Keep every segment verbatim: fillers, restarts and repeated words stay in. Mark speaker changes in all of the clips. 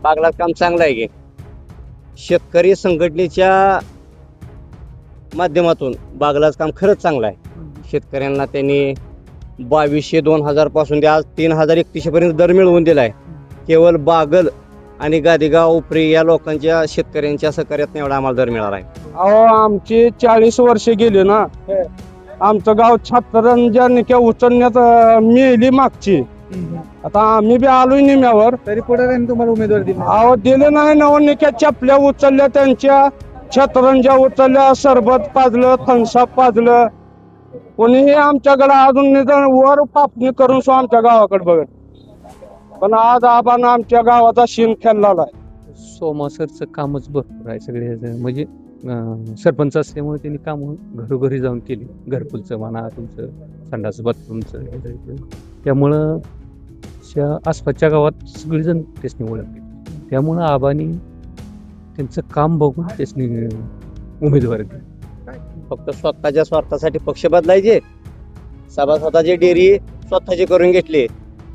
Speaker 1: बागलात काम चांगलं आहे की शेतकरी संघटनेच्या माध्यमातून बागलाच काम खरंच चांगलं आहे। शेतकऱ्यांना त्यांनी बावीसशे दोन हजार पासून ते आज तीन हजार एकतीसशे पर्यंत दर मिळवून दिलाय। केवळ बागल आणि गादेगाव उपरी या लोकांच्या शेतकऱ्यांच्या सहकार्यात एवढा आम्हाला दर मिळाला आहे।
Speaker 2: अहो आमची चाळीस वर्षे गेली ना, आमचं गाव छत्तरंजा निक्या उचलण्यात मेली मागची। आता आम्ही बी आलोय निम्यावर,
Speaker 3: तरी पुढे तुम्हाला उमेदवार दिली
Speaker 2: अहो दिले नाही नवनिक्या चपल्या उचलल्या त्यांच्या, छतरंजा उचलल्या, सरबत पाजलं, थम्सअप पाजलं, कोणीही आमच्याकडे अजून निदान वर पापणी करून सो आमच्या गावाकडे बघत। पण आज आबानं आमच्या गावाचा शीन खेळलेला आहे।
Speaker 4: सोमासरचं कामच भरपूर आहे सगळे, म्हणजे अं, सरपंच असल्यामुळे त्यांनी कामं घरोघरी जाऊन केली, घरकुलचं म्हणा, तुमचं संडास बाथरूमचं, त्यामुळं त्या आसपासच्या गावात सगळेजण त्यासनी ओळखले, त्यामुळं आबानी त्यांचं काम बघून त्यासनी उमेदवारी दिली।
Speaker 1: फक्त स्वतःच्या स्वार्थासाठी पक्ष बदलायचे, सभासदाची डेअरी स्वतःची करून घेतली,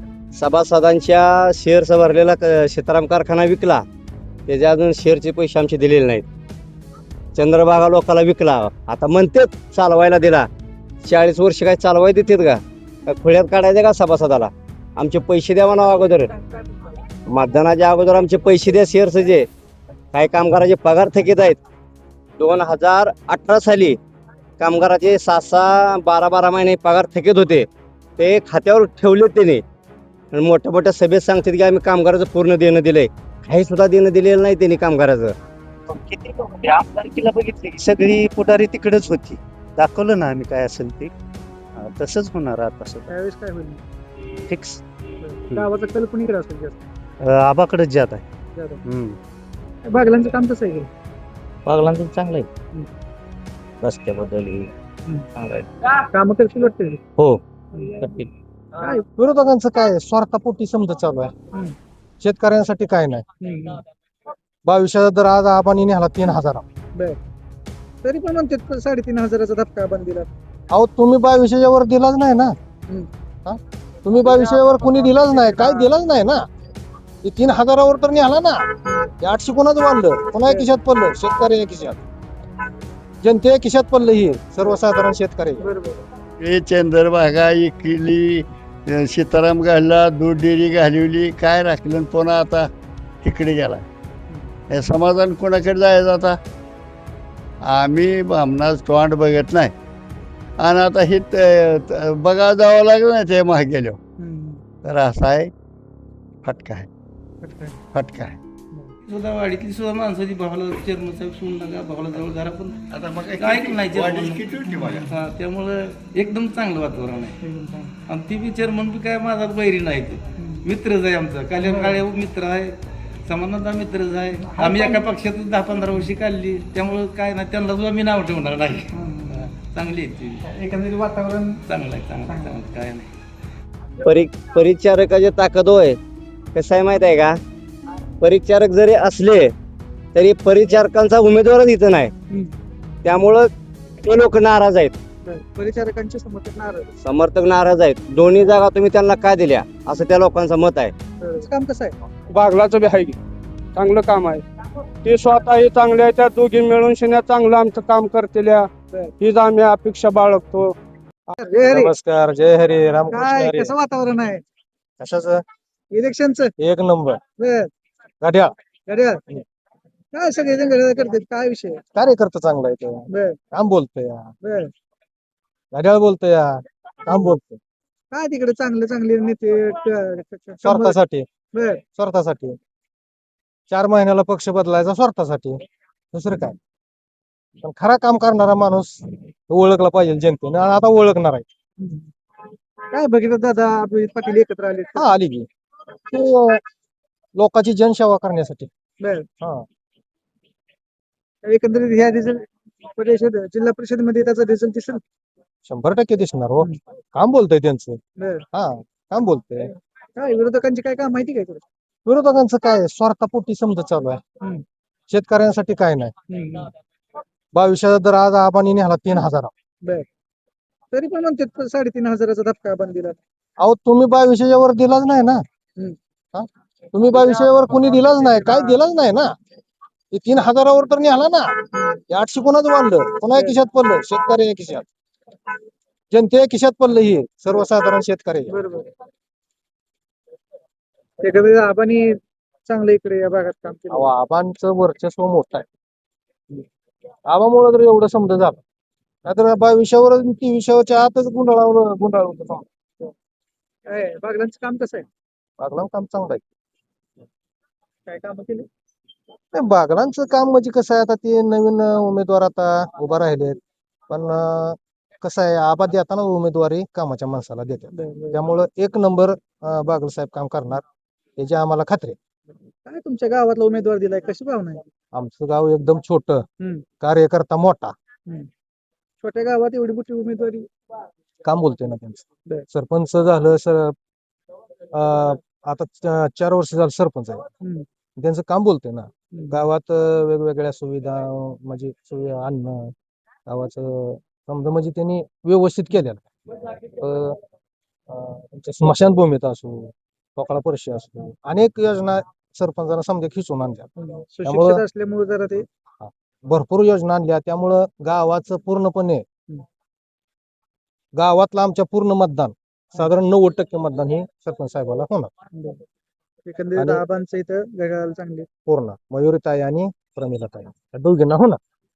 Speaker 1: सभासदांच्या शेअर्स भरलेला क- सीताराम कारखाना विकला, त्याचे अजून शेअरचे पैसे आमचे दिलेले नाहीत। चंद्रभागा लोकाला विकला, आता म्हणतेच चालवायला दिला, चाळीस वर्ष काय चालवाय देतात का? काय खुळ्यात काढायचे का सभासदाला? आमचे पैसे द्यावा ना अगोदर, मतदानाच्या अगोदर आमचे पैसे द्या शेअर्सचे। काही कामगाराचे पगार थकीत आहेत। दोन हजार अठरा साली कामगाराचे सहा सहा बारा बारा महिने पगार थकीत होते, ते खात्यावर ठेवले त्यांनी। आणि मोठ्या मोठ्या सभेत सांगतात की आम्ही कामगाराचं पूर्ण देणं दिलंय, काही सुद्धा देणं दिलेलं नाही त्यांनी कामगाराचं।
Speaker 5: किती आमदारकीला बघितले की सगळी पुढारी तिकडेच होती, दाखवलं ना आम्ही काय असेल ते, हा, तसंच होणार आता सगळं
Speaker 3: त्यावेळेस काय होईल
Speaker 5: फिक्स।
Speaker 3: गावाचा कल कुणीकडे असेल जास्त?
Speaker 5: आबाकडेच जात आहे।
Speaker 3: जास्त.
Speaker 5: हम्म.
Speaker 3: बागलांचं काम कसं आहे?
Speaker 1: बागलांचं चांगलं आहे, रस्त्याबद्दल
Speaker 3: काम करतील वाटते
Speaker 1: हो
Speaker 3: काय?
Speaker 2: विरोधकांचं काय स्वार्थापोटी समजा चालू आहे, शेतकऱ्यांसाठी काय नाही। बावीसशेचा दर आज आबानी नेला तीन हजार।
Speaker 3: तरी पण म्हणतात साडेतीन हजाराचा धक्का बंद दिला.
Speaker 2: अहो तुम्ही बावीसशेच्या वर दिलाच नाही ना, हा? तुम्ही बावीसशेच्या वर कोणी दिलाच नाही, काय दिलाच नाही ना। हे तीन हजारावर तर निघाला ना, हे आठशे कोणाच वाढलं, कोणा खिशात पडलं? शेतकरी खिशात, जनते खिशात पडलं, ही सर्वसाधारण शेतकरी।
Speaker 3: बरोबर.
Speaker 6: हे चंद्रभागा इकली, सीताराम घालला, दूध डेअरी घालवली, काय राखलं आणि पुन्हा आता तिकडे गेला। हे समाधान कोणाकडे जायचं आता? आम्ही आमनाच तोंड बघत नाही, आणि आता हे त- त- बघा जावं लागलं ना ते मागे गेलो, तर असा आहे फटका आहे, फटका आहे।
Speaker 7: सुद्धा वाडीतली सुद्धा माणसाची भावाला चेअरमन साहेब सोडून नका, भावाला जवळ घरा पण काय नाही चेअरमन. हा, त्यामुळं एकदम चांगलं वातावरण आहे। आणि ती बी चेअरमन बी काय माझा बैरी नाही, ते मित्रच आहे आमचा, काल्या काळे मित्र आहे, समानता मित्रच आहे। आम्ही एका पक्षात दहा पंधरा वर्षी काढली, त्यामुळं काय नाही त्यांना सुद्धा मी नाव ठेवणार नाही। चांगली आहे ती,
Speaker 3: एकंदरीत वातावरण
Speaker 7: चांगलं आहे, चांगलं आहे, चांगलं काय नाही।
Speaker 1: परि परिचारकाची ताकद होय, कसं आहे माहित आहे का? परिचारक जरी असले तरी परिचारकांचा उमेदवारच इथं नाही, त्यामुळं ते लोक नाराज आहेत,
Speaker 3: परिचारकांचे समर्थक नाराज.
Speaker 1: समर्थक नाराज आहेत। दोन्ही जागा तुम्ही त्यांना का दिल्या असं त्या लोकांचं मत आहे।
Speaker 3: काम कसं आहे?
Speaker 2: बागलाचं बी आहे की चांगलं काम आहे, ते स्वतःही चांगले आहे, त्या दोघी मिळून शिन्या चांगलं आमचं काम करतील, हीच आम्ही अपेक्षा बाळगतो।
Speaker 3: जय हरी.
Speaker 2: नमस्कार, जय हरी,
Speaker 3: काय
Speaker 2: रामकृष्ण हरी।
Speaker 3: कसं वातावरण आहे
Speaker 2: कशाचं?
Speaker 3: इलेक्शनचं?
Speaker 2: एक नंबर
Speaker 3: बर.
Speaker 2: गाड्या
Speaker 3: घड्याळ. काय सगळे जण घड्याळ करतात, काय विषय?
Speaker 2: कार्यकर्ता चांगला आहे तो,
Speaker 3: बर
Speaker 2: काम बोलतोय,
Speaker 3: बर.
Speaker 2: गाड्याला बोलतोय, काम बोलतोय,
Speaker 3: काय तिकडे चांगले चांगले नेते क- क- क-
Speaker 2: स्वार्थासाठी,
Speaker 3: बर.
Speaker 2: स्वार्थासाठी चार महिन्याला पक्ष बदलायचा, स्वार्थासाठी, दुसरं काय? पण खरा काम करणारा माणूस ओळखला पाहिजे जनतेने, आणि आता ओळखणार आहे।
Speaker 3: काय बघितलं दादा अभिजित पाटील एकत्र आले.
Speaker 2: हा आली की ते लोकांची जनसेवा करण्यासाठी।
Speaker 3: बर.
Speaker 2: हा
Speaker 3: एकंदरीत ह्या रिझल्ट परिषद जिल्हा परिषद मध्ये त्याचा रिझल्ट दिसेल.
Speaker 2: शंभर टक्के दिसणार हो, काम बोलतोय त्यांचं,
Speaker 3: बर.
Speaker 2: हा काम बोलतोय।
Speaker 3: काय विरोधकांची काय काम माहिती काय तुला?
Speaker 2: विरोधकांचं काय स्वार्थापोटी समजा चालू आहे, शेतकऱ्यांसाठी काय नाही। बावीसशेचा दर आज आबानी नेला तीन हजार।
Speaker 3: बर. तरी पण म्हणतात साडेतीन हजाराचा धक्का बंद दिला.
Speaker 2: अहो तुम्ही बावीसशेच्या वर दिलाच नाही ना, हा?
Speaker 8: तुम्ही बा विषयावर कोणी दिलाच नाही, काय दिलाच नाही ना. ते तीन हजारावर तर निघाला ना. हे आठशे कोणाचं वाढलं, कोणा खिशात पडलं, शेतकऱ्याच्या खिशात, जनतेच्या खिशात पडलं. हे सर्वसाधारण शेतकरी.
Speaker 3: बरोबर एखाद्या आबानी चांगलं इकडे या भागात काम केलं.
Speaker 8: आबांचं वर्चस्व मोठं आहे. आबामुळे तर एवढं समजा झालं, नाहीतर बा विषयावर ती विषयाच्या आतच गुंडाळावर गुंडाळ होतं.
Speaker 3: काय बागलांचं काम कसं आहे?
Speaker 8: बागलां काम चांगलं आहे.
Speaker 3: काय काम केले?
Speaker 8: नाही, बागलांचं काम म्हणजे कसं आहे, आता ते नवीन अं, उमेदवार आता उभा राहिलेत, पण अं, कसं आहे, आबा देताना उमेदवारी कामाच्या माणसाला देतात. त्यामुळं एक नंबर अं, बागल साहेब काम करणार याची आम्हाला खात्री आहे.
Speaker 3: काय तुमच्या गावातला उमेदवार दिलाय, कशी भावना आहे?
Speaker 8: आमचं गाव एकदम छोटं,
Speaker 3: हम्म.
Speaker 8: कार्यकर्ता मोठा.
Speaker 3: हम्म. छोट्या गावात एवढी मोठी उमेदवारी
Speaker 8: काम बोलतोय ना त्यांचं.
Speaker 3: बर.
Speaker 8: सरपंच झालं सर, अं, आता च- चार वर्ष झालं सरपंच आहे.
Speaker 3: हम्म.
Speaker 8: त्यांचं काम बोलतोय ना.
Speaker 3: हम्म.
Speaker 8: गावात अं, वेगवेगळ्या सुविधा, अं, म्हणजे सुविधा आणणं, गावाचं समजा म्हणजे त्यांनी व्यवस्थित केलेलं आहे. अं, अं, तुमच्या स्मशानभूमीत असो, पोकळा परिषद असो, अनेक योजना सरपंचाला समजा खिचून आणल्या.
Speaker 3: सुशिक्षित
Speaker 8: त्यामुळं
Speaker 3: असल्यामुळे जरा ते
Speaker 8: भरपूर योजना आणल्या. त्यामुळं गावाचं पूर्णपणे,
Speaker 3: हम्म.
Speaker 8: गावातलं आमच्या पूर्ण मतदान, साधारण नव्वद टक्के मतदान हे सरपंच साहेबाला होणार.
Speaker 3: एकंदरीत
Speaker 8: आणि-
Speaker 3: आबांचं इथं घड्याळ चांगले.
Speaker 8: पूर्ण मयुरीताई आणि प्रमिलाताई या दोघींना होणार.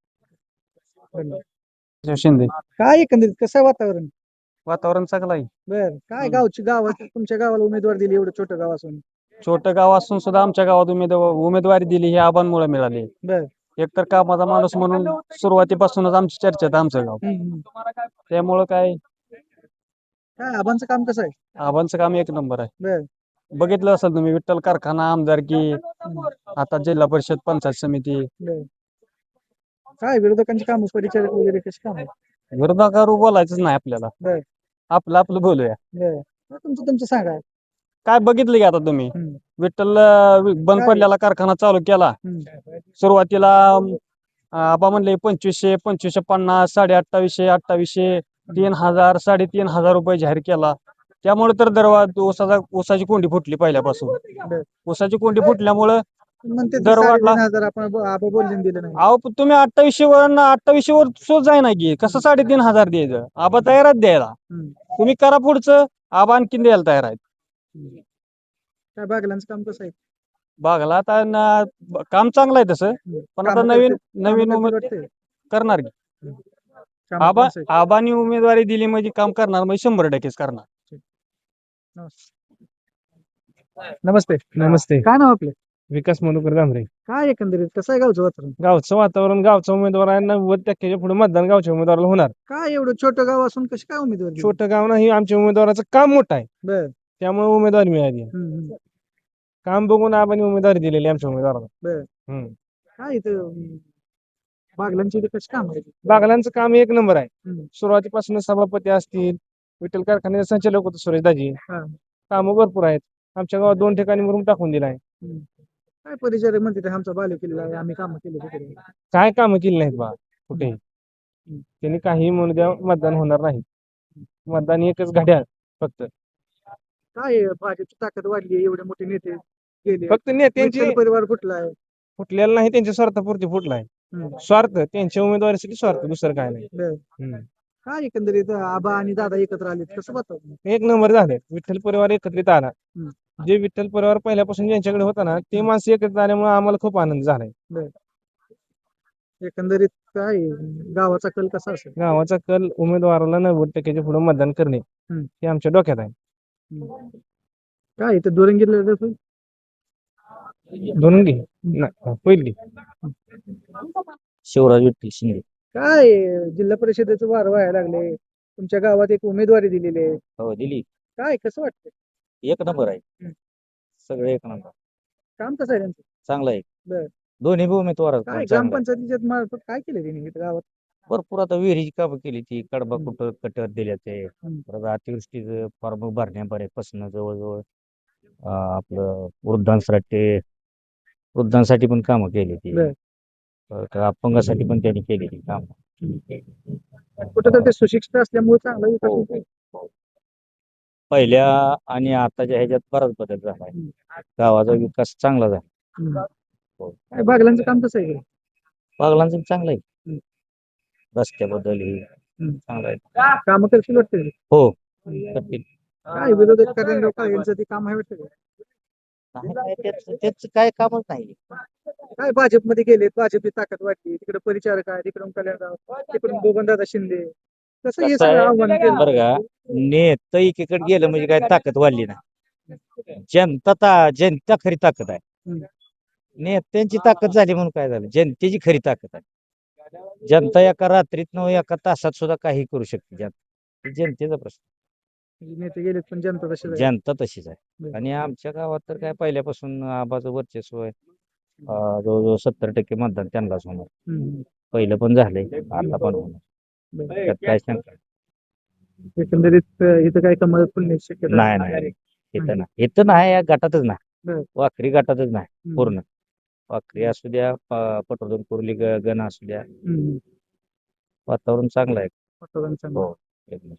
Speaker 4: शिंदे.
Speaker 3: काय एकंदरीत कसं आहे वातावरण?
Speaker 4: वातावरण चांगलं आहे.
Speaker 3: बर काय
Speaker 4: हम्म.
Speaker 3: गावची गावात तुमच्या गावाला उमेदवार दिली, एवढं छोटं गाव असून?
Speaker 4: छोटं गाव असून सुद्धा आमच्या गावात उमेदवार उमेदवारी दिली ही आबांमुळे मिळाली.
Speaker 3: बर.
Speaker 4: एकतर कामाचा माणूस म्हणून सुरुवातीपासूनच आमची चर्चेत आमचं गाव.
Speaker 3: हम्म.
Speaker 4: त्यामुळं काय
Speaker 3: काय आबांचं काम कसं आहे?
Speaker 4: आबांचं काम एक नंबर आहे.
Speaker 3: बर.
Speaker 4: बघितलं असेल तुम्ही, विठ्ठल कारखाना, आमदारकी, आता जिल्हा परिषद, पंचायत समिती.
Speaker 3: बर. काय विरोधकांची काम, परिचारक वगैरे कशी काम आहे?
Speaker 4: विरोधाकार बोलायचंच नाही आपल्याला.
Speaker 3: बर.
Speaker 4: आपलं आपलं बोलूया.
Speaker 3: बर. मग तुमचं तुमचं सांगा.
Speaker 4: काय बघितलं की आता तुम्ही,
Speaker 3: हम्म.
Speaker 4: विठ्ठल अं, बंद
Speaker 3: काय?
Speaker 4: पडलेला कारखाना चालू केला.
Speaker 3: हम्म.
Speaker 4: सुरुवातीला अं, आबा म्हणले पंचवीसशे पंचवीसशे पन्नास साडे अठ्ठावीसशे अठ्ठावीसशे तीन हजार साडेतीन हजार रुपये जाहीर केला. त्यामुळे तर दरवा ऊसाचा ऊसाची कोंडी फुटली पहिल्यापासून.
Speaker 3: बर.
Speaker 4: ऊसाची कोंडी फुटल्यामुळं
Speaker 3: म्हणते ते
Speaker 4: दर वाढला.
Speaker 3: साडेतीन हजार आपण ब- आबा बोलले दिलं नाही.
Speaker 4: अहो पण तुम्ही अठ्ठावीसशे वर अठ्ठावीसशे वर सोच जाय ना की कसं साडेतीन हजार द्यायचं. आबा तयारच द्यायला.
Speaker 3: हम्म.
Speaker 4: तुम्ही करा पुढचं, आबा आणखीन द्यायला तयार आहेत.
Speaker 3: काय बागलांचं काम कसं आहे?
Speaker 4: बागला आता न- ब- काम चांगलं आहे तसं, पण आता
Speaker 3: कामं
Speaker 4: नवीन
Speaker 3: करतील-
Speaker 4: नवीन
Speaker 3: कामं
Speaker 4: उमेद
Speaker 3: करतील वाटतंय?
Speaker 4: करणार की.
Speaker 3: कामं
Speaker 4: आबा
Speaker 3: कसं आहे?
Speaker 4: आबानी उमेदवारी दिली म्हणजे काम करणार म्हणजे शंभर टक्केच करणार.
Speaker 3: नमस्ते.
Speaker 9: नमस्ते.
Speaker 3: काय नाव आपलं?
Speaker 9: विकास मधुकर दामरे.
Speaker 3: काय एकंदरीत कसं आहे गावचं वातावरण?
Speaker 9: गावचं वातावरण, गावचा उमेदवार आहे, नव्वद टक्क्याच्या पुढे मतदान गावच्या उमेदवाराला होणार.
Speaker 3: काय एवढं छोटं गाव असून कशी काय उमेदवार दिली?
Speaker 9: छोटं गाव नाही, आमच्या उमेदवाराचं काम मोठं आहे,
Speaker 3: बर.
Speaker 9: त्यामुळे उमेदवारी मिळाली.
Speaker 3: हम्म, हम्म.
Speaker 9: काम बघून आपण उमेदवारी दिलेली आमच्या उमेदवाराला.
Speaker 3: बर.
Speaker 9: हम्म.
Speaker 3: काय इथं अं, बागलांची इथं कशी काम आहे?
Speaker 9: बागलांचं काम एक नंबर आहे.
Speaker 3: हम्म.
Speaker 9: सुरुवातीपासून सभापती असतील, विठ्ठल कारखान्याचे संचालक होते सुरेशदाजी,
Speaker 3: हा.
Speaker 9: कामं भरपूर आहेत. आमच्या गावात दोन ठिकाणी मुरुम टाकून दिलाय.
Speaker 3: हम्म. काय परिचारक म्हणते ते आमचा बाले केलेला आहे, आम्ही कामं केली तिकडे.
Speaker 9: काय कामं केली नाहीत बा कुठेही. त्यांनी काही म्हणू द्या, मतदान होणार नाही. मतदान एकच घड्याळ फक्त.
Speaker 3: काय आहे, भाजपची ताकद वाढली आहे, एवढे मोठे नेते गेले,
Speaker 9: फक्त नेत्यांची
Speaker 3: विठ्ठल परिवार कुठला आहे?
Speaker 9: फुटलेला नाही, त्यांच्या स्वार्थापुरती फुटलाय.
Speaker 3: हम्म.
Speaker 9: स्वार्थ त्यांच्या उमेदवारीसाठी स्वार्थ, दुसरं काय नाही.
Speaker 3: बर.
Speaker 9: हम्म.
Speaker 3: काय एकंदरीत आबा आणि दादा एकत्र आले कसं वाटतं?
Speaker 9: एक नंबर झाले. विठ्ठल परिवार एकत्रित आला.
Speaker 3: हम्म.
Speaker 9: जे विठ्ठल परिवार पहिल्यापासून ज्यांच्याकडे होता ना, ते माणसं एकत्रित आल्यामुळे आम्हाला खूप आनंद झालाय.
Speaker 3: एकंदरीत काय आहे, गावाचा कल कसा असेल?
Speaker 9: गावाचा कल उमेदवाराला नव्वद टक्क्याच्या पुढे मतदान करणे
Speaker 3: हम्म.
Speaker 9: हे आमच्या डोक्यात आहे.
Speaker 3: हम्म. काय इथं दुरंगीला
Speaker 9: दोन घे नाही, पहिली
Speaker 1: शिवराज विठ्ठल शिंदे.
Speaker 3: काय आहे, जिल्हा परिषदेचं वार व्हायला लागले, तुमच्या गावात एक उमेदवारी दिलेली आहे,
Speaker 1: हो दिली.
Speaker 3: काय कसं वाटतं?
Speaker 1: एक नंबर आहे.
Speaker 3: हम्म.
Speaker 1: सगळे एक नंबर.
Speaker 3: काम कसं आहे त्यांचं?
Speaker 1: चांगलं आहे.
Speaker 3: बर.
Speaker 1: दोन्ही बी उमेदवार
Speaker 3: काय
Speaker 1: चांगलं आहे.
Speaker 3: ग्रामपंचायतीच्या मार्फत काय केलं त्यांनी इथं गावात?
Speaker 1: भरपूर आता विहिरीची कामं केली ती कडबा
Speaker 3: हम्म.
Speaker 1: कुठं कटर दिल्या ते
Speaker 3: हम्म.
Speaker 1: परत अतिवृष्टीचं फॉर्म भरण्यापर्यंत जवळजवळ अं, आपलं वृद्धांसाठी वृद्धांसाठी पण कामं केली ती.
Speaker 3: बर.
Speaker 1: परत अपंगासाठी पण त्यांनी केलेली कामं.
Speaker 3: कुठं तर ते सुशिक्षित असल्यामुळे चांगलं विकास
Speaker 1: हो,
Speaker 3: होतोय.
Speaker 1: हो. पहिल्या आणि आताच्या ह्याच्यात बराच बदल झाला आहे. गावाचा विकास चांगला झाला.
Speaker 3: हम्म. काय बागलांचं काम कसं आहे?
Speaker 1: बागलांचं चांगलं आहे.
Speaker 3: हम्म.
Speaker 1: रस्त्याबद्दल हे
Speaker 3: हम्म.
Speaker 1: चांगलं आहे.
Speaker 3: कामं करशील वाटतं?
Speaker 1: हो करतील.
Speaker 3: काय विरोधक करेंद्र काळेंचं ते काम आहे वाटतं का?
Speaker 1: नाही, नाही, त्याचं त्याचं काय कामच नाही.
Speaker 3: काय भाजपमध्ये गेले, भाजपची ताकद वाढली, तिकडे परिचारक आहे, तिकडून कल्याणराव, तिकडून बबनदादा शिंदे. कसं हे
Speaker 1: कसं
Speaker 3: सगळं
Speaker 1: आहे,
Speaker 3: आव्हान केलं?
Speaker 1: बरं का, नेतं एकीकडे गेलं म्हणजे काय ताकद वाढली ना. जनता ता जनता खरी ताकद आहे.
Speaker 3: हम्म.
Speaker 1: नेत्यांची ताकद झाली म्हणून काय झालं, जनतेची खरी ताकद आहे. जनता एका रात्रीत न एका तासात सुद्धा काही करू शकते. जनता जनतेचा प्रश्न.
Speaker 3: नेते गेलेत पण जनता तशी आहे.
Speaker 1: जनता तशीच आहे.
Speaker 3: बरं.
Speaker 1: आणि आमच्या गावात तर काय पहिल्यापासून आबाचं वर्चस्व आहे. अं, जवळजवळ सत्तर टक्के मतदान त्यांनाच होणार.
Speaker 3: हम्म.
Speaker 1: पहिलं पण झालंय, आता पण होणार.
Speaker 3: बरं.
Speaker 1: त्यात काय शंका
Speaker 3: एकंदरीत अं, इथं काय कमळ फुलण्याची शक्यता
Speaker 1: नाही. नाही इथं नाही, इथं नाही, या गटातच नाही.
Speaker 3: बरं.
Speaker 1: वाखरी गटातच नाही
Speaker 3: हम्म.
Speaker 1: पूर्ण. वाखरी असू द्या, प- पटवर्धन कुर्ली ग- गण असू द्या,
Speaker 3: हम्म.
Speaker 1: वातावरण चांगलं आहे.
Speaker 3: वातावरण चांगलं.
Speaker 1: हो एकदम.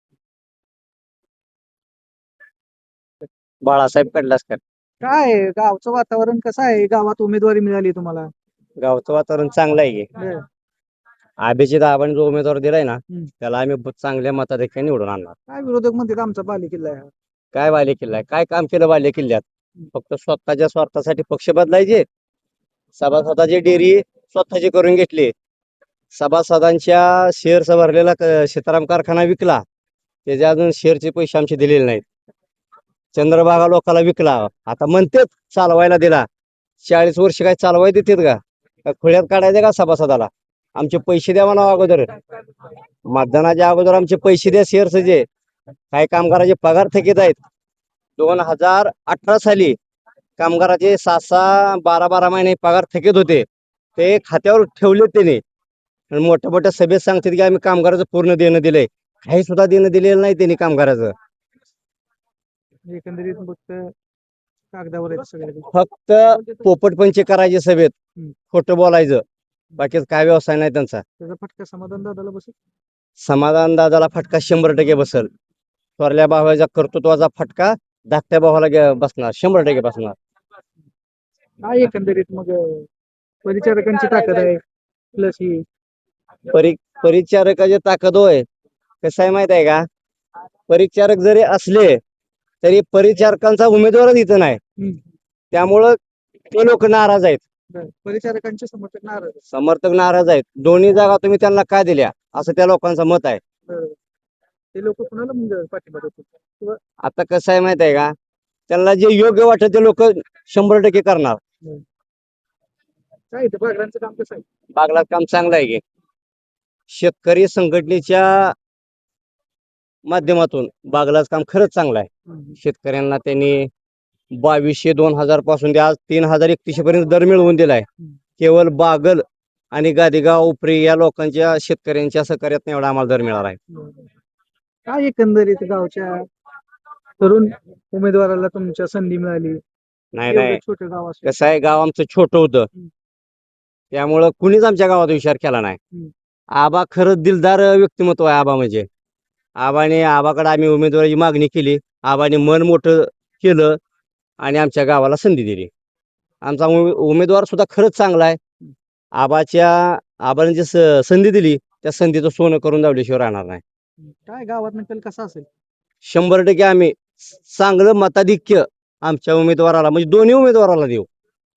Speaker 1: बाळासाहेब कडलासकर.
Speaker 3: काय आहे, गावचं वातावरण कसं आहे? गावात उमेदवारी मिळाली तुम्हाला?
Speaker 1: गावचं वातावरण चांगलं आहे.
Speaker 3: बरं.
Speaker 1: अभिजित आबाने जो उमेदवार दिलाय ना,
Speaker 3: हम्म.
Speaker 1: त्याला आम्ही ब- चांगल्या मताधिक्याने निवडून आणणार.
Speaker 3: काय विरोधक म्हणतात आमचा बाले किल्ला आहे हा?
Speaker 1: काय बाले किल्ला आहे, काय काम केलं बाले किल्ल्यात? फक्त स्वतःच्या स्वार्थासाठी पक्ष बदलायचे, सभासदाची डेअरी स्वतःची करून घेतली, सभासदांच्या शेअर्स भरलेला क- सीताराम कारखाना विकला, त्याच्या अजून शेअरचे पैसे आमचे दिलेले नाहीत. चंद्रभागा लोकाला विकला, आता म्हणतेच चालवायला दिला. चाळीस वर्ष काय चालवायला देतात का? का खुळ्यात काढायचे का सभासदाला? आमचे पैसे द्यावा ना अगोदर, मतदानाच्या अगोदर आमचे पैसे द्या. शेअर्स जे काही कामगाराचे पगार थकीत आहेत. दोन हजार अठरा साली कामगाराचे सहा सहा बारा बारा महिने पगार थकीत होते, ते खात्यावर ठेवले त्याने. आणि मोठ्या मोठ्या सभेत सांगतात की आम्ही कामगाराचं पूर्ण देणं दिलंय. काही सुद्धा देणं दिलेलं नाही त्यांनी कामगाराचं.
Speaker 3: एकंदरीत फक्त कागदावर आहेत सगळे.
Speaker 1: फक्त पोपटपंची करायचे सभेत,
Speaker 3: हम्म.
Speaker 1: खोटं बोलायचं, बाकीच काय व्यवसाय नाही त्यांचा.
Speaker 3: त्याचा फटका समाधान दादाला बसेल.
Speaker 1: समाधान दादाला फटका शंभर टक्के बसल. थोरल्या भावाच्या कर्तृत्वाचा फटका धाकट्या भावाला गे- बसणार, शंभर टक्के बसणार.
Speaker 3: काय एकंदरीत मग अं, परिचारकांची ताकद आहे प्लस ही
Speaker 1: परि परिचारकाची ताकद होय. कसं आहे माहित आहे का, परिचारक जरी असले तरी परिचारकांचा उमेदवारच इथं नाही.
Speaker 3: हम्म.
Speaker 1: त्यामुळं ते लोक नाराज आहेत,
Speaker 3: बरं. परिचारकांचे समर्थक नाराज आहेत.
Speaker 1: समर्थक नाराज आहेत. दोन्ही जागा तुम्ही त्यांना काय दिल्या असं त्या लोकांचं मत आहे.
Speaker 3: बरं. ते लोक कुणाला मग पाठिंबा देतात किंवा
Speaker 1: आता कसं आहे माहित आहे का, त्यांना जे योग्य वाटत ते लोक शंभर टक्के करणार.
Speaker 3: काय इथं बागलांचं काम कसं आहे?
Speaker 1: बागलात काम चांगलं आहे की, शेतकरी संघटनेच्या माध्यमातून बागलाच काम खरंच चांगलं आहे.
Speaker 3: हम्म.
Speaker 1: शेतकऱ्यांना त्यांनी बावीसशे दोन हजार पासून ते आज तीन हजार एकतीसशे पर्यंत दर मिळवून दिलाय. केवळ बागल आणि गादेगाव उपरी या लोकांच्या शेतकऱ्यांच्या सहकार्यात एवढा आम्हाला दर मिळाला आहे.
Speaker 3: काय एकंदरीत गावच्या तरुण उमेदवाराला तुमच्या संधी मिळाली?
Speaker 1: नाही
Speaker 3: एवढं
Speaker 1: नाही,
Speaker 3: छोटं गाव असेल.
Speaker 1: कसं आहे, गाव आमचं छोटं होतं,
Speaker 3: हम्म.
Speaker 1: त्यामुळं कुणीच आमच्या गावात विचार केला नाही.
Speaker 3: हम्म.
Speaker 1: आबा खरंच दिलदार व्यक्तिमत्व आहे. आबा म्हणजे आबाने आबाकडे आम्ही उमेदवाराची मागणी केली, आबाने मन मोठं केलं आणि आमच्या गावाला संधी दिली. आमचा उमे- उमेदवार सुद्धा खरंच चांगला आहे. आबाच्या आबाने जे स- संधी दिली त्या संधीचं सोनं करून दावल्याशिवाय राहणार नाही.
Speaker 3: काय गावात नक्कल कसा असेल?
Speaker 1: शंभर टक्के आम्ही चांगलं मताधिक्य आमच्या उमेदवाराला म्हणजे दोन्ही उमेदवाराला देऊ.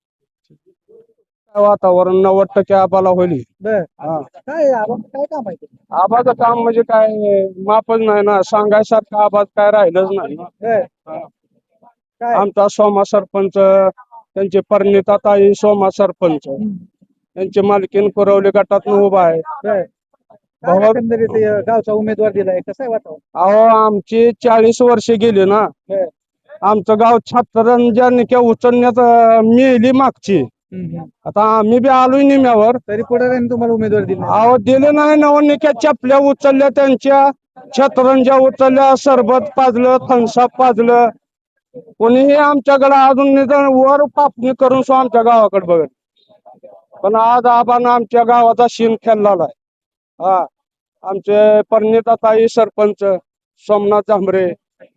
Speaker 2: वातावरण नव्वद टक्के आबाला होईल.
Speaker 3: बर.
Speaker 2: हा.
Speaker 3: काय आबाचं काय काम आहे ते?
Speaker 2: आबाचं काम म्हणजे काय मापच नाही ना, सांगायसारखं आबाज काय राहिलंच नाही ना.
Speaker 3: बर. काय
Speaker 2: आमचा सोमा सरपंच, त्यांचे परिणिता ताई सोमा सरपंच,
Speaker 3: हम्म.
Speaker 2: त्यांची मालकीन कुरवली गटात उभा आहे.
Speaker 3: बर. काय
Speaker 2: भावा-
Speaker 3: एकंदरीत अं, गावचा उमेदवार दिलाय कसं आहे वातावरण?
Speaker 2: अहो आमची चाळीस वर्षे गेली ना,
Speaker 3: बर.
Speaker 2: आमचं गाव छात्रंजा निक्या उचलण्यात अं, मिली मागची.
Speaker 3: हम्म, हम्म.
Speaker 2: आता आम्ही बी आलोय निम्यावर.
Speaker 3: तरी पुढे तुम्हाला उमेदवार दिला
Speaker 2: अहो दिले नाही, नवनिक्या चपल्या उचलल्या त्यांच्या, छतरंजा उचलल्या, सरबत पाजलं, थम्सअप पाजलं. कोणीही आमच्याकडे अजून निदान वर पापणी करून सो आमच्या गावाकडे बघत. पण आज आबानं आमच्या गावाचा शीन खेळलेला आहे. हा, आमचे परिणिता ताई सरपंच, सोमनाथ झांबरे,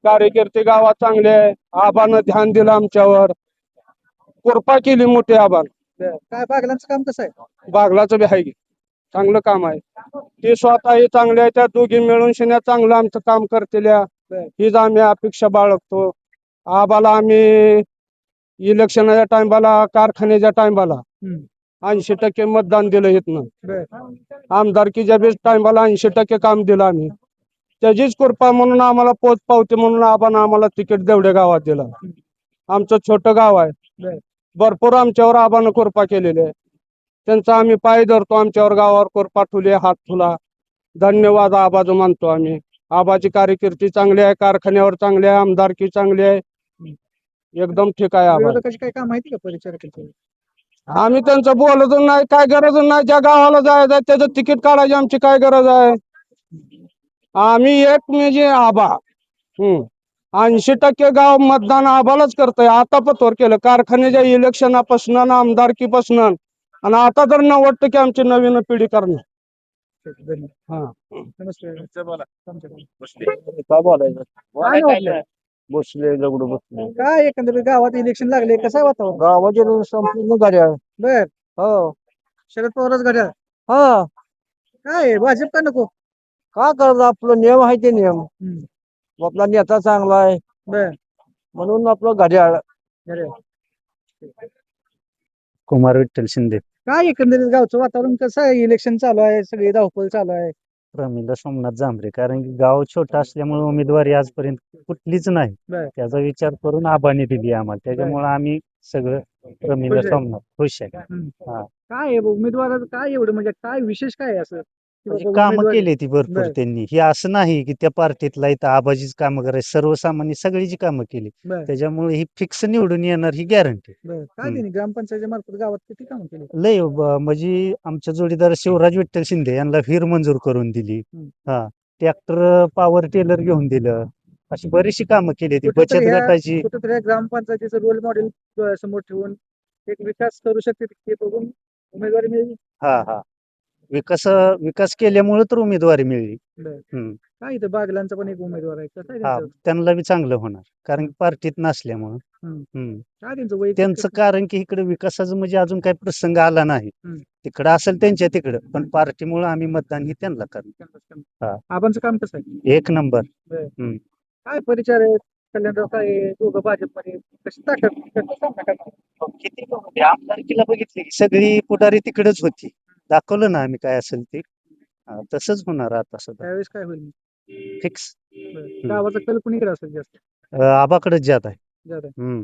Speaker 2: कार्यकर्ते गावात चांगले आहे. आबानं ध्यान दिलं आमच्यावर, कृपा केली मोठी आबान.
Speaker 3: बर. काय बागलांचं काम कसं आहे?
Speaker 2: बागलाचं बी आहे की. चांगलं काम आहे. ते स्वतःही चांगले आहे. त्या दोघी मिळून शिन्या चांगलं आमचं काम करतेल्या हीच आम्ही अपेक्षा बाळगतो. आबाला आम्ही इलेक्शनाच्या टायमाला, कारखान्याच्या टायमाला
Speaker 3: हम्म.
Speaker 2: ऐंशी टक्के मतदान दिलं इथनं.
Speaker 3: बर.
Speaker 2: आमदारकीच्या बेस टायमाला ऐंशी टक्के काम दिलं आम्ही. त्याचीच कृपा म्हणून आम्हाला पोच पावते म्हणून आपण आम्हाला तिकीट देवड्या गावात दिलं. आमचं छोटं गाव आहे.
Speaker 3: बर.
Speaker 2: भरपूर आमच्यावर आबानं कृपा केलेली आहे. त्यांचा आम्ही पाय धरतो. आमच्यावर गावावर कृपा ठुले, हात ठुला. धन्यवाद आबाचं मानतो आम्ही. आबाची कार्यकिर्दी चांगली आहे, कारखान्यावर चांगली आहे, आमदारकी चांगली आहे, एकदम ठीक आहे आबा.
Speaker 3: विरोधकाची काय काम माहिती का परिचारकाची?
Speaker 2: आम्ही त्यांचं बोलत नाही, काय गरज नाही. ज्या गावाला जायचं आहे त्याचं तिकीट काढायची आमची काय गरज आहे. आम्ही एक म्हणजे आबा हम्म ऐंशी टक्के गाव मतदान आबालाच करतोय. आता पतोर केलं कारखान्याच्या इलेक्शनापासून आणि आमदारकीपासून, आणि आता तर नव्वद टक्के आमची नवीन पिढी करणार. हा
Speaker 3: नमस्ते.
Speaker 1: काय बोलायचं,
Speaker 3: काय वाटलं?
Speaker 1: बसले दगड बसले
Speaker 3: काय एकंदरीत गावात इलेक्शन लागले, कसं आहे वातावरण?
Speaker 1: गावाचे संपूर्ण घड्याळ.
Speaker 3: बर.
Speaker 1: हो
Speaker 3: शरद पवारच घड्याळ.
Speaker 1: हा
Speaker 3: काय आहे, भाजप का नको?
Speaker 1: का करत आपलं नियम आहे ते नियम.
Speaker 3: हम्म.
Speaker 1: आपला नेता चांगला आहे
Speaker 3: बर.
Speaker 1: म्हणून आपलं घड्याळ.
Speaker 3: घड्याळ.
Speaker 5: कुमार विठ्ठल शिंदे.
Speaker 3: काय एकंदरीत गावचं वातावरण कसं आहे? इलेक्शन चालू आहे, सगळी धावपळ चालू आहे.
Speaker 5: प्रमिला सोमनाथ जांभरे, कारण की गाव छोटं असल्यामुळे उमेदवारी आजपर्यंत कुठलीच नाही.
Speaker 3: बर.
Speaker 5: त्याचा विचार करून आबाने दिली आम्हाला, त्याच्यामुळे आम्ही सगळं प्रमिला
Speaker 3: खुश आहे.
Speaker 5: सोमनाथ खुश आहे.
Speaker 3: हम्म.
Speaker 5: हा.
Speaker 3: काय आहे उमेदवाराचं काय एवढं म्हणजे काय विशेष काय आहे असं की
Speaker 5: म्हणजे
Speaker 3: बाबा
Speaker 5: कामं
Speaker 3: उमेदवारी-
Speaker 5: केली ती भरपूर
Speaker 3: बर.
Speaker 5: त्यांनी. हे असं नाही की त्या पार्टीतला इथं आबाजीच कामं करायची, सर्वसामान्य सगळीची कामं केली.
Speaker 3: बर.
Speaker 5: त्याच्यामुळे ही फिक्स निवडून येणार ही गॅरंटी.
Speaker 3: बर. काय
Speaker 5: हम्म.
Speaker 3: त्यांनी ग्रामपंचायतीच्या मार्फत गावात किती कामं केली?
Speaker 5: लय ब- म्हणजे आमच्या जोडीदार शिवराज विठ्ठल शिंदे यांना वीर मंजूर करून दिली.
Speaker 3: हम्म.
Speaker 5: हा ट्रॅक्टर पॉवर टेलर घेऊन दिलं. अशी बरीचशी कामं केली ती.
Speaker 3: कुठेतरी
Speaker 5: बचत
Speaker 3: ह्या-
Speaker 5: गटाची
Speaker 3: कुठेतरी या ग्रामपंचायतीचं रोल मॉडेल समोर ठेवून एक विकास करू शकते ते बघून उमेदवारी मिळेल.
Speaker 5: हा हा विकास विकास केल्यामुळे तर उमेदवारी मिळली.
Speaker 3: बर.
Speaker 5: हम्म.
Speaker 3: काय इथं बागलांचा पण एक उमेदवार आहे, कसं आहे
Speaker 5: हा
Speaker 3: त्यांचं?
Speaker 5: त्यांना बी चांगलं होणार, कारण की पार्टीत नसल्यामुळं.
Speaker 3: हम्म.
Speaker 5: हम्म.
Speaker 3: काय त्यांचं वैयक्तिक
Speaker 5: त्यांचं कारण की इकडे विकासाचं म्हणजे अजून काही प्रसंग आला नाही.
Speaker 3: हम्म.
Speaker 5: तिकडं असेल त्यांच्या तिकडं, पण पार्टीमुळे आम्ही मतदान ही त्यांना करणार. हा.
Speaker 3: आबांचं काम कसं आहे?
Speaker 5: एक नंबर.
Speaker 3: काय परिचार आहे? कल्याणराव काय आहे? दोघं भाजपमध्ये कशी ताकद कसं सामना करणार?
Speaker 5: किती पण होते, आमदारकीला बघितली की सगळी पुढारी तिकडेच होती. दाखवलं ना आम्ही काय असेल ते. हा, तसंच होणार आता सुद्धा
Speaker 3: त्यावेळेस काय होईल?
Speaker 5: फिक्स.
Speaker 3: बरं. गावाचा कल कुणीकडे असेल जास्त?
Speaker 5: आबाकडेच जात आहे.
Speaker 3: जादा.
Speaker 5: हम्म.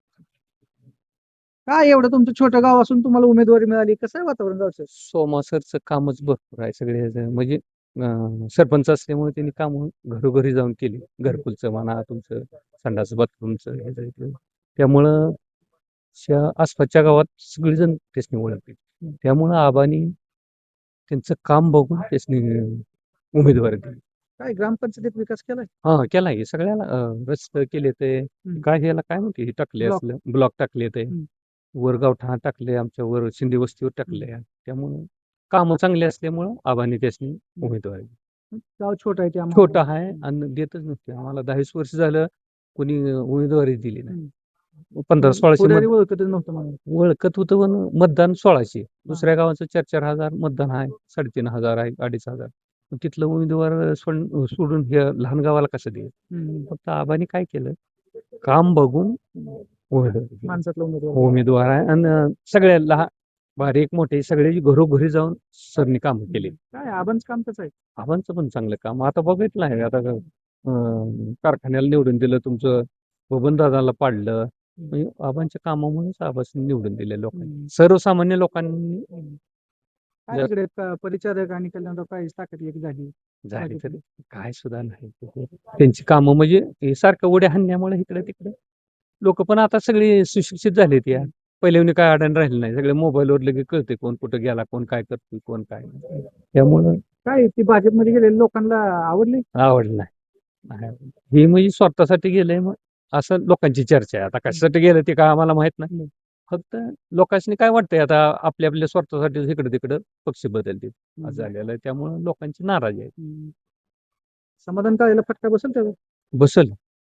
Speaker 3: काय एवढं तुमचं छोटं गाव असून तुम्हाला उमेदवारी मिळाली, कसं आहे वातावरण गावचं?
Speaker 4: सोमा सरचं कामच भरपूर आहे सगळे ह्याचं. म्हणजे अं, सरपंच असल्यामुळे त्यांनी काम घरोघरी जाऊन केली. घरकुलचं म्हणा, तुमचं संडास बाथरूमचं ह्याचं इथं. त्यामुळं शा आसपासच्या गावात सगळेजण त्यासनी ओळखते. त्यामुळं आबानी त्यांचं काम बघून त्यासनी उमेदवारी दिली.
Speaker 3: काय ग्रामपंचायतीत विकास केलाय?
Speaker 4: हा केला आहे सगळ्याला. अं, रस्ते केले ते काय ह्याला काय म्हणते हे टाकले
Speaker 3: Block.
Speaker 4: असलं ब्लॉक टाकले ते
Speaker 3: हम्म.
Speaker 4: वर गावठा टाकले, आमच्या वर शिंदे वस्तीवर टाकले. त्यामुळं कामं चांगली असल्यामुळं आबानी त्यासनी उमेदवारी दिली.
Speaker 3: गाव छोटा आहे त्यामुळे
Speaker 4: छोटा आहे आणि देतच नसते आम्हाला. दहावीस वर्ष झालं कोणी उमेदवारी दिली नाही. पंधरा सोळाशे
Speaker 3: पुढारी
Speaker 4: मत
Speaker 3: ओळखतच नव्हतं मला.
Speaker 4: ओळखत होतं, पण मतदान सोळाशे. दुसऱ्या गावाचं चार चार हजार मतदान आहे, साडेतीन हजार आहे, अडीच हजार. पण तिथलं उमेदवार सोड- सोडून हे लहान गावाला कसं दे.
Speaker 3: हम्म.
Speaker 4: फक्त आबानी काय केलं, काम बघून उमेदवार दिली.
Speaker 3: माणसातला उमेदवार.
Speaker 4: उमेदवार आहे आणि सगळ्या लहान बारीक मोठे सगळे घरोघरी जाऊन सरनी कामं केली.
Speaker 3: काय आबांचं काम कसं आहे?
Speaker 4: आबांचं पण चांगलं काम आता बघितलं आहे. आता अं, कारखान्याला निवडून दिलं, तुमचं बबन दादाला पाडलं. म्हणजे आबांच्या कामामुळेच आबासनी निवडून दिले लोकांनी, सर्वसामान्य लोकांनी.
Speaker 3: काय
Speaker 4: जर-
Speaker 3: इकडे प- परिचारक आणि कल्याणराव काय ताकद एक झाली.
Speaker 4: झाली तरी काय सुद्धा नाही. त्यांची कामं म्हणजे हे सारखं उड्या हाणण्यामुळे इकडे तिकडे लोक पण आता सगळे सुशिक्षित झालेत. या पहिल्याने काय अडाण राहिलं नाही. सगळे मोबाईलवर लगेच कळते कोण कुठं गेला, कोण काय करतो, कोण काय नाही. त्यामुळं
Speaker 3: काय ती भाजपमध्ये गेलेल्या लोकांना आवडली?
Speaker 4: आवडलं नाही. नाही आवडलं. हे म्हणजे स्वतःसाठी गेलंय, मग असं लोकांची चर्चा आहे. आता कशासाठी गेलं ते काय आम्हाला माहित नाही. फक्त लोकांनी काय वाटतंय आता आपल्या आपल्या स्वार्थासाठी इकडे तिकडं पक्ष बदलतील असं झालेलं आहे. त्यामुळे लोकांची नाराजी आहे.
Speaker 3: हम्म. समाधान काळेला फटका बसेल त्यावर?
Speaker 4: बसल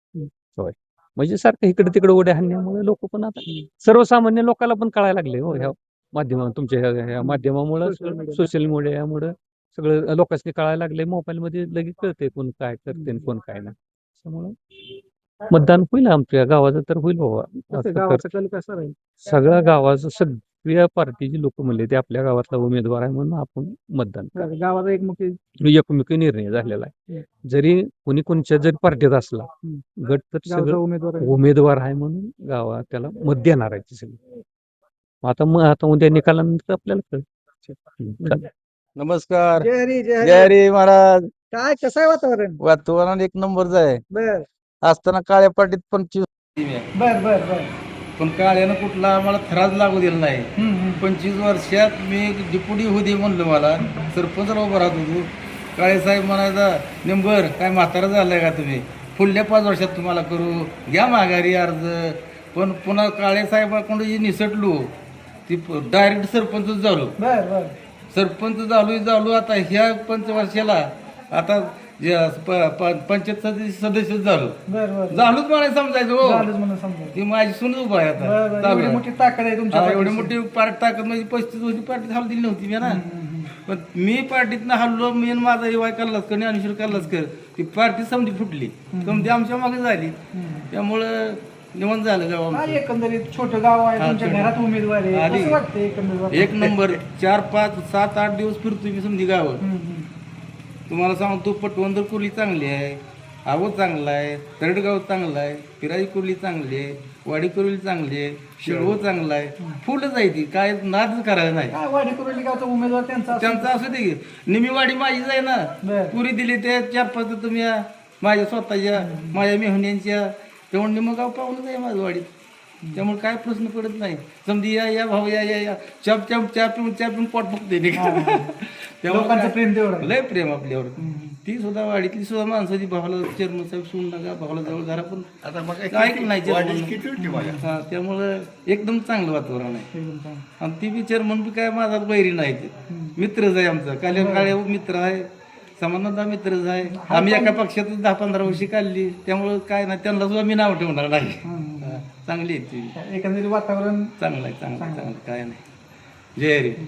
Speaker 4: होय. म्हणजे सारखं इकडे तिकडे उड्या हाणण्यामुळे लोक पण आता सर्वसामान्य लोकांना पण कळायला लागले हो ह्या माध्यमा तुमच्या ह्या- ह्या माध्यमामुळे
Speaker 3: Social media.
Speaker 4: सोशल मीडियामुळे सगळं लोकांनी कळायला लागले. मोबाईलमध्ये लगेच कळते कोण काय करते आणि कोण काय नाही. त्यामुळं मतदान होईल आमच्या गावाचं तर होईल बाबा.
Speaker 3: कसं
Speaker 4: असं तर
Speaker 3: गावाचा कल कसा राहील?
Speaker 4: सगळ्या गावाचं सगळ्या पार्टीची लोक म्हणले ते आपल्या गावातला उमेदवार आहे म्हणून आपण मतदान करू.
Speaker 3: गावाचा एक मुख्य
Speaker 4: एकमेकी निर्णय झालेला आहे. जरी कोणी कोणच्या जरी पार्टीत असला गट तर
Speaker 3: गावचा
Speaker 4: सगळं
Speaker 3: उमेदवार आहे.
Speaker 4: उमेदवार आहे म्हणून गावात त्याला मत देणार आहे सगळी. आता मग आता उद्या निकालानंतर आपल्याला कळेल. हम्म, चालेल.
Speaker 10: नमस्कार.
Speaker 3: जय हरी जय
Speaker 10: जय
Speaker 3: हरी.
Speaker 10: हरी महाराज.
Speaker 3: काय कसं आहे वातावरण?
Speaker 10: वातावरण एक नंबरच आहे.
Speaker 3: बर
Speaker 10: असताना काळ्या पाटीत पंचवीस
Speaker 3: बर बर बर
Speaker 7: पण काळ्यानं कुठला आम्हाला थराज लागू दिला नाही.
Speaker 3: हम्म, हम्म.
Speaker 7: पंचवीस वर्षात मी डिप्युटी होऊ दे म्हणलं मला सरपंचला उभं राहत होतो. काळेसाहेब म्हणायचा नेंबर काय म्हातारा झालाय का तुम्ही, पुढल्या पाच वर्षात तुम्हाला करू घ्या माघारी अर्ज. पण पुन्हा काळेसाहेबाकडून जी निसटलो ती डायरेक्ट सरपंचच झालो.
Speaker 3: बर बर
Speaker 7: सरपंच झालो झालो आता ह्या पंचवर्षाला आता जे प- प- पंचायत सदस्य सदस्यच झालो.
Speaker 3: बर बर
Speaker 7: झालोच म्हणायचं समजायचं हो.
Speaker 3: झालंच म्हणून समजा.
Speaker 7: ती माझी सून उभा आहे
Speaker 3: बर,
Speaker 7: आता
Speaker 3: बर.
Speaker 7: चालू
Speaker 3: एवढी
Speaker 7: आहे.
Speaker 3: मोठी ताकद आहे तुमच्या
Speaker 7: हा, एवढी
Speaker 3: पाठीशी.
Speaker 7: मोठी पार्टी ताकद म्हणजे पस्तीस वर्षी पार्टी हलू दिली नव्हती मी ना.
Speaker 3: हम्म, हम्म.
Speaker 7: पण मी पार्टीतनं हल्लो मी आणि माझा युवा कल्लासकर ज्ञानेश्वर कल्लासकर ती पार्टी समजी फुटली समजी आमच्या मागे झाली. त्यामुळं निवंत झालं गाव
Speaker 3: काय
Speaker 7: आमचं.
Speaker 3: एकंदरीत छोटं गाव आहे
Speaker 7: हा,
Speaker 3: तुमच्या
Speaker 7: छोटं.
Speaker 3: घरात उमेदवार आहे
Speaker 7: आधी.
Speaker 3: कसं वाटतं एकंदरीत?
Speaker 7: एक नंबर चार पाच सात आठ दिवस फिरतो मी समजी गावात.
Speaker 3: हम्म, हम्म.
Speaker 7: तुम्हाला सांगतो पटवंदर कुर्ली चांगली आहे, आवत चांगला आहे, तरडगाव चांगला आहे, पिराई कुर्ली चांगली आहे, वाडी कुर्ली चांगली आहे, शिळवो चांगला आहे. फुलच आहे ती काय नादच करायला नाही.
Speaker 3: काय वाडी कुरोली गावचा उमेदवार त्यांचा असेल?
Speaker 7: त्यांचं असू दे की. निमीवाडी माझीच आहे ना.
Speaker 3: बर.
Speaker 7: पुरी दिली ते चार पाच तर तुम्ही या. माझ्या स्वतःच्या माझ्या मेहुण्यांच्या तेवढं निम गाव पाहूनच आहे माझं वाडीत. त्यामुळे काय प्रश्न पडत नाही. समजी या या भाऊ या या या चाप चाप चा पिऊन चा पिऊन पोट फुगते
Speaker 3: लोकांचं
Speaker 7: त्यामुळे
Speaker 3: प्रेम तेवढं आहे.
Speaker 7: लय प्रेम आपल्यावर. ती सुद्धा वाडीतली सुद्धा माणसाची भावाला चेअरमन साहेब सोडून नका भावाला जवळ घरा पण
Speaker 6: आता मग
Speaker 7: ऐकलं नाही
Speaker 6: वाढीस
Speaker 7: chairman.
Speaker 6: किती होती माझ्या?
Speaker 7: हा, त्यामुळं एकदम चांगलं वातावरण आहे.
Speaker 3: एकदम चांगलं.
Speaker 7: आणि ती बी चेअरमन बी काय माझा बैरी नाही ते मित्रच आहे आमचा. कल्याण काळे मित्र आहे, समानता मित्रच आहे. आम्ही एका पक्षातच दहा पंधरा वर्षी काढली त्यामुळं काय नाही त्यांना सुद्धा मी नाव ठेवणार नाही. हा, चांगली आहे ती.
Speaker 3: एकंदरीत वातावरण
Speaker 7: चांगलं आहे चांगलं आहे, चांगलं आहे, काय नाही. जय हरी.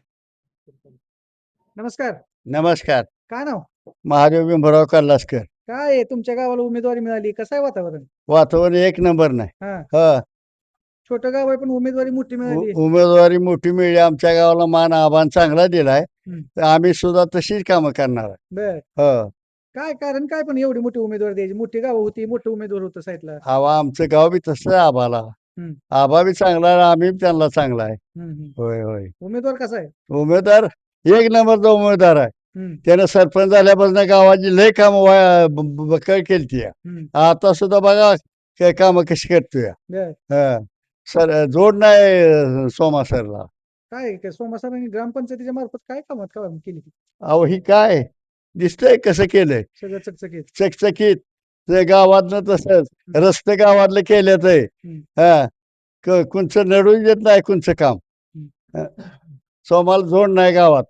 Speaker 3: नमस्कार.
Speaker 6: नमस्कार.
Speaker 3: काय नाव?
Speaker 6: महादेव बिंबराव कल्लासकर.
Speaker 3: काय आहे तुमच्या गावाला उमेदवारी मिळाली कसं आहे वातावरण?
Speaker 6: वातावरण एक नंबर नाही.
Speaker 3: हा
Speaker 6: हा
Speaker 3: छोटं गाव आहे पण उमेदवारी मोठी मिळाली.
Speaker 6: उ- उमेदवारी मोठी मिळली. आमच्या गावाला मान आव्हान चांगला दिलाय.
Speaker 3: हम्म.
Speaker 6: तर आम्ही सुद्धा तशीच कामं करणार आहे.
Speaker 3: बर
Speaker 6: हो.
Speaker 3: काय कारण काय पण एवढी मोठी उमेदवार द्यायची? मोठी गाव होती मोठं उमेदवार होतं साईडला.
Speaker 6: आवा आमचं गाव बी तसं आहे आबाला.
Speaker 3: हम्म.
Speaker 6: आबा बी चांगला आहे, आम्ही बी त्यांना चांगला आहे.
Speaker 3: हम्म, हम्म.
Speaker 6: होय होय.
Speaker 3: उमेदवार कसा आहे?
Speaker 6: उमेदवार एक नंबरचा उमेदवार आहे.
Speaker 3: हम्म,
Speaker 6: त्यानं सरपंच झाल्यापासून गावाची लय कामं बकळ केली.
Speaker 3: हम्म.
Speaker 6: आता सुद्धा बघा काय कामं कशी करतोय.
Speaker 3: बर
Speaker 6: हा. सर जोड नाही सोमा सरला.
Speaker 3: काय काय सोमासरांनी ग्रामपंचायतीच्या मार्फत काय कामात काम केली ती?
Speaker 6: अहो ही काय दिसतंय कसं केलंय
Speaker 3: सगळं चकचकीत.
Speaker 6: चकचकीत. ते गावातनं तसंच रस्ते गावातलं केल्यात आहे.
Speaker 3: हम्म.
Speaker 6: हा क- कुणचं नडून येत नाही कुणचं काम. हा. सोमाला जोड नाही गावात.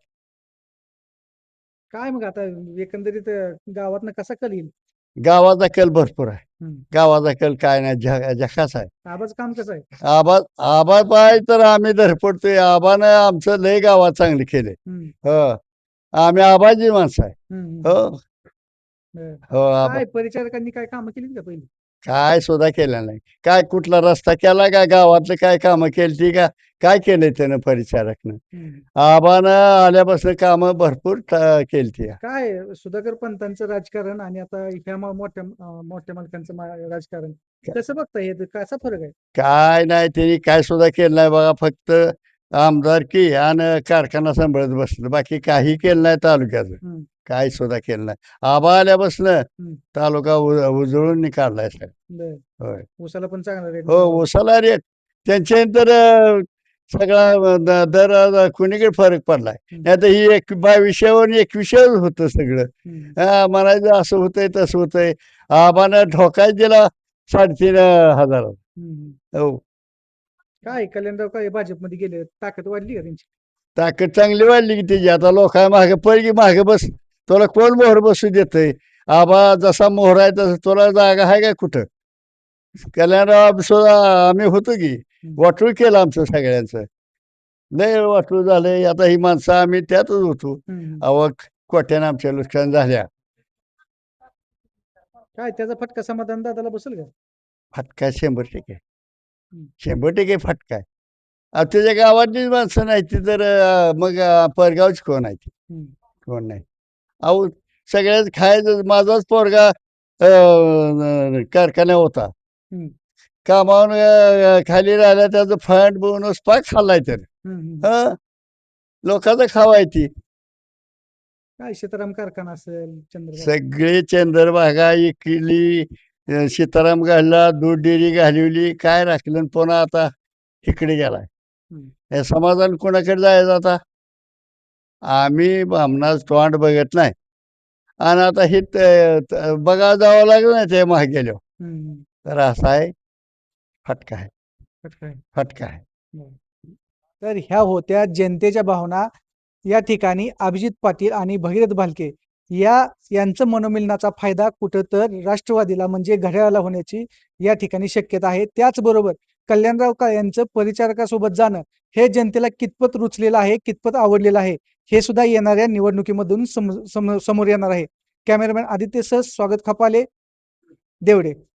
Speaker 3: काय मग आता एकंदरीत गावातनं कसा कल येईल?
Speaker 6: गावाचा कल भरपूर आहे.
Speaker 3: हम्म.
Speaker 6: गावाचा कल काय नाही झ- झकास आहे.
Speaker 3: आबाचं काम कसं आहे?
Speaker 6: आबा आबा पाय तर आम्ही धरपडतोय. आबानं आमचं लय गावात चांगलं केलंय.
Speaker 3: हम्म,
Speaker 6: हो आम्ही आबाजी माणसं आहे.
Speaker 3: हम्म, हम्म.
Speaker 6: हो
Speaker 3: बर.
Speaker 6: हो आबा
Speaker 3: काय परिचारकांनी काय कामं केली का पहिली?
Speaker 6: काय सुद्धा केलं नाही. काय कुठला रस्ता केला का गावातलं काय कामं केली का काय केलंय त्यानं परिचारकनं.
Speaker 3: हम्म.
Speaker 6: आबानं आल्यापासून कामं भरपूर केली.
Speaker 3: काय सुधाकर पंतांचं राजकारण आणि आता ह्या मा- मोठ्या अं, मोठ्या मालकांचं मा- राजकारण कसं बघता हे कसा फरक आहे?
Speaker 6: काय नाही त्यांनी काय सुद्धा केलं नाही बघा. फक्त आमदारकी आणि कारखाना सांभाळत बसलं. बाकी काही केलं नाही तालुक्याचं.
Speaker 3: हम्म.
Speaker 6: काय सुद्धा केलं नाही. आबा आल्यापासून
Speaker 3: हम्म.
Speaker 6: तालुका उ- उजळून काढलाय सर.
Speaker 3: बर.
Speaker 6: होय.
Speaker 3: ऊसाला पण चांगला रेट
Speaker 6: हो उसाला रेट त्यांच्या तर अं, सगळा द- दर अं, कुणीकडे फरक पडलाय.
Speaker 3: हम्म.
Speaker 6: नाही तर ही एक बावीसशेवर एकविसशेवर होतं सगळं.
Speaker 3: हम्म.
Speaker 6: हा म्हणायचं असं होतंय तसं होतंय. आबानं ढोकाच दिला साडेतीन हजार.
Speaker 3: हम्म.
Speaker 6: हो
Speaker 3: काय कल्याणराव काय भाजपमध्ये गेले ताकद वाढली का त्यांची?
Speaker 6: ताकद चांगली वाढली की त्याची. आता लोकांना मागे पडली मागे बस. तुला कोण मोहर बसू देतंय. आबा जसा मोहर आहे तसं तुला जागा आहे का कुठं. कल्याणराव सुद्धा आम्ही होतो की वाटूळ केलं आमचं सगळ्यांचं. लय वाटूळ झालंय. आता ही माणसं आम्ही त्यातच होतो.
Speaker 3: हम्म.
Speaker 6: अहो कोट्यानं आमच्या नुकसान झाल्या.
Speaker 3: काय त्याचा फटका समाधान दादाला बसेल का?
Speaker 6: फटका शंभर टक्के
Speaker 3: हम्म.
Speaker 6: शंभर टक्के फटका आहे. अहो तुझ्या गावातलीच माणसं नाही ती तर अं, मग अं, परगावची कोण आहे ती?
Speaker 3: हम्म.
Speaker 6: कोण नाही. अहो सगळ्याच खायचं. माझाच पोरगा अं, कारखाना होता.
Speaker 3: हम्म.
Speaker 6: कामावून अं, खाली राहिला त्याचं फंड बोनस पाक खाल्लाय तर
Speaker 3: हम्म. हम्म.
Speaker 6: हं लोकांचं खावाय ती.
Speaker 3: काय सीताराम कारखाना असेल चंद्रबाबा
Speaker 6: सगळे चंद्रभागा इकली, अं, सीताराम घालला, दूध डेअरी घालवली, काय राखलं आणि पुन्हा आता इकडे गेलाय.
Speaker 3: हम्म.
Speaker 6: हे समाधान कोणाकडे जायचं आता? आम्ही आमनाच तोंड बघत नाही. आणि आता हे त- त- बघा जावं लागलं ना ते मागे गेलो.
Speaker 3: हम्म.
Speaker 6: तर असा आहे फटका आहे.
Speaker 3: फटका आहे.
Speaker 6: फटका आहे.
Speaker 3: तर ह्या होत्या जनतेच्या भावना. या ठिकाणी अभिजित पाटील आणि भगीरथ भालके या यांचं मनोमिलनाचा फायदा कुठं तर राष्ट्रवादीला म्हणजे घड्याळाला होण्याची या ठिकाणी शक्यता आहे. त्याचबरोबर कल्याणराव काळे यांचं परिचारकासोबत जाणं हे जनतेला कितपत रुचलेलं आहे, कितपत आवडलेलं आहे, हे सुद्धा येणाऱ्या निवडणुकीमधून सम, सम, समोर येणार आहे. कॅमेरामॅन आदित्य सह स्वागत खपाले, देवडे.